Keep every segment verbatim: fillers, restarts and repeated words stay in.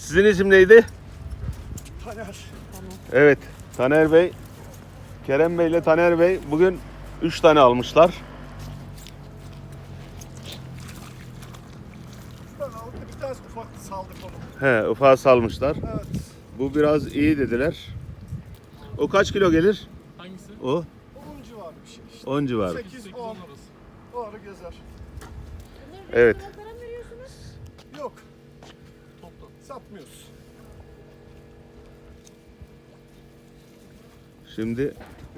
Sizin isim neydi? Taner. Evet, Taner Bey, Kerem Bey ile Taner Bey bugün üç tane almışlar. Ben aldım, bir tanesi ufak saldık onu. He, ufağı salmışlar. Evet. Bu biraz iyi dediler. O kaç kilo gelir? Hangisi? O on civarı bir şey işte. on civarı. sekiz on arası. O ara gezer. Evet. Para mı veriyorsunuz? Yok, Toplam. satmıyoruz. Şimdi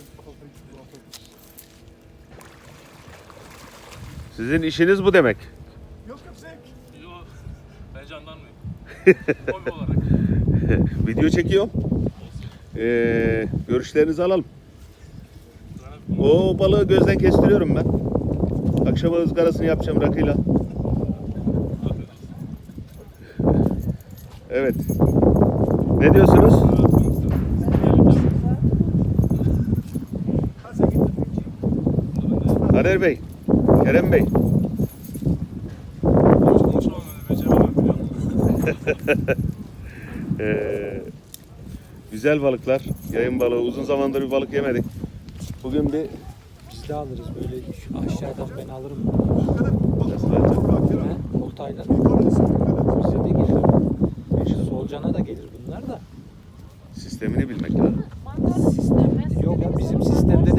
sizin işiniz bu demek. Yok yok zevk. Yok. Ben jandarmayım. Hobi olarak. Video çekiyor. Ee, görüşlerinizi alalım. O balığı gözden kestiriyorum ben. Akşama ızgarasını yapacağım rakıyla. Evet. Ne diyorsunuz? Ha sen gittin. Taner Bey, Kerem Bey. Hiç konuşamam öyle. Beceremem biliyor musun? Ee, güzel balıklar. Yayın balığı. Uzun zamandır bir balık yemedik. Bugün bir Biz de alırız böyle şu aşağıdan ben alırım. Balık balık